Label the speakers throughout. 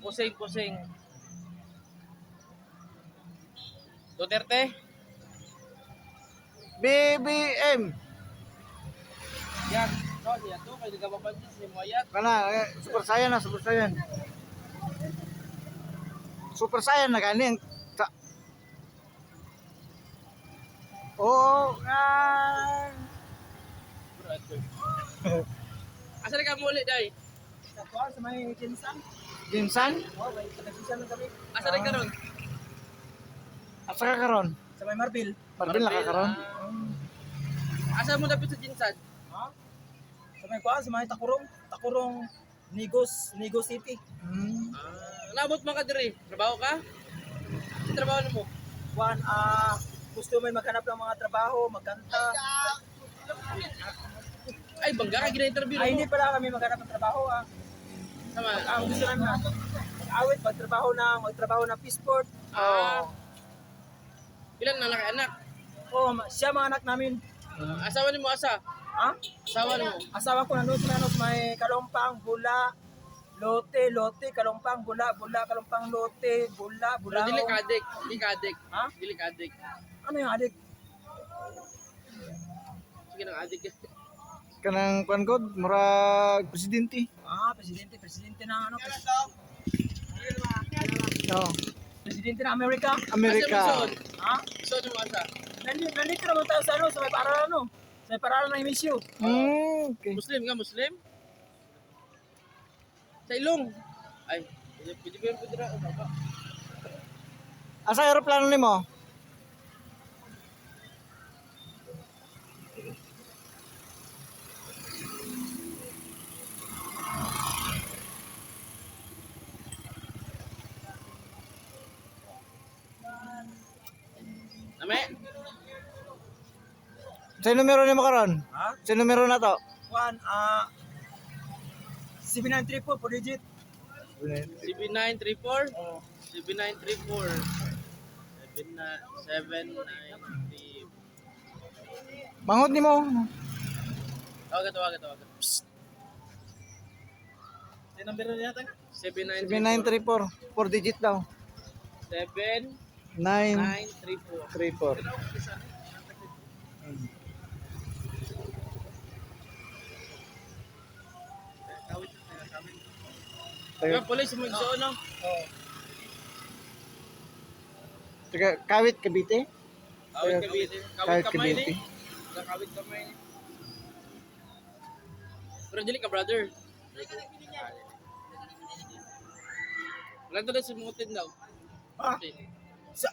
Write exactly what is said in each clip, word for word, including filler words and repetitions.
Speaker 1: Pusing, pusing. Duterte.
Speaker 2: B B M.
Speaker 1: Yan. No, siya to. Kaya nagababansin si Moyat.
Speaker 2: Kana eh, super saiyan na, super saiyan. Super saiyan na kani ang ta. Oh, ah.
Speaker 1: Asa na ka muli, day?
Speaker 3: Sa sa may Jinsan.
Speaker 2: Jinsan?
Speaker 3: Oh, may taga-Jinsan lang kami.
Speaker 1: Asa na ka ron?
Speaker 2: Asa ka karon?
Speaker 3: Sa may Marbil.
Speaker 2: Marbil na ka karon?
Speaker 1: Ah, asa mo dapit sa Jinsan?
Speaker 3: Ha? Sa may kuan, sa may Takurong. Takurong Nigos, Nigos City.
Speaker 2: Hmm.
Speaker 1: Ah, naabot man ka diri. Trabaho ka? Sa trabaho mo?
Speaker 3: Kuan, ah, gusto may maghanap ng mga trabaho, magkanta.
Speaker 1: Ay, bangga ka gina-interview
Speaker 3: Ay,
Speaker 1: mo.
Speaker 3: hindi pala kami maghanap ng trabaho, ah.
Speaker 1: Sama.
Speaker 3: Ang gusto namin, ah, mag-awit, magtrabaho ng, magtrabaho ng Peaceport.
Speaker 1: Ah. Ilan na anak?
Speaker 3: Oh, ma- siya mga anak namin.
Speaker 1: Asawa ni mo asa?
Speaker 3: Ha?
Speaker 1: Asawa ni mo?
Speaker 3: Asawa ko nandun sa ano, sa may Kalumpang, Bula, Lote, Lote, Kalumpang, Bula, Bula, Kalumpang, Lote, Bula,
Speaker 1: Pero
Speaker 3: Bula.
Speaker 1: dili kadik, dili kadik.
Speaker 3: Ha?
Speaker 1: Dili kadik.
Speaker 3: Ano yung adik?
Speaker 1: Sige nang adik.
Speaker 2: Kanang kuan god murag presidente.
Speaker 3: Ah, presidente, presidente ng ano? Pres-
Speaker 2: No,
Speaker 3: presidente ng Amerika.
Speaker 2: Amerika.
Speaker 1: Asa mo suod?
Speaker 3: Ha?
Speaker 1: Suod mo asa?
Speaker 3: Nandito, nandito naman tayo sa ano, sa may paralan, ano? Sa may paralan ng emisyo.
Speaker 2: Hmm, okay.
Speaker 1: Muslim ka, Muslim? Sa ilong. Ay, pwede pwede pwede pwede na. Baba.
Speaker 2: Asa eroplano nimo?
Speaker 1: Name?
Speaker 2: Sa numero nimo karon?
Speaker 3: Ha?
Speaker 2: Sa numero na to?
Speaker 3: One, ah, seven nine three four, four digit.
Speaker 1: C B nine three four? C B nine three four. seven nine three.
Speaker 2: Manghod nimo.
Speaker 1: Tawagan, tawagan, tawagan.
Speaker 3: Yung number na natin?
Speaker 1: seven nine
Speaker 2: seven nine three four. four digit daw.
Speaker 1: seven
Speaker 2: nine
Speaker 1: nine three four.
Speaker 2: three four.
Speaker 1: Taga police mo igsoon no?
Speaker 3: Oo.
Speaker 2: Taga Kawit Cavite.
Speaker 1: Kawit Cavite.
Speaker 2: Kawit
Speaker 1: Kawit kamay
Speaker 2: Cavite.
Speaker 1: ni. Kawit kamay ni. Pero dili ka brother. Wala to na sumutin daw.
Speaker 3: Ah,
Speaker 1: Okay.
Speaker 3: sa...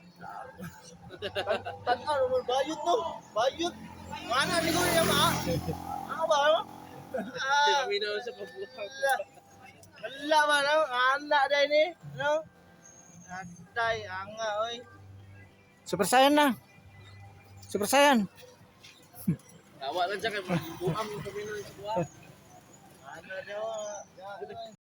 Speaker 3: Tatan, mo bayot no? Bayot. Mana ni ko niya ma? Ano ba?
Speaker 1: Hindi kami na sa pabuhat.
Speaker 3: Wala ba no? Anda dai ni, no? Atay anga oy.
Speaker 2: Super Saiyan na. Super Saiyan.
Speaker 1: Tawa lang siya kay buam kami na sa buhat.
Speaker 3: Ano daw?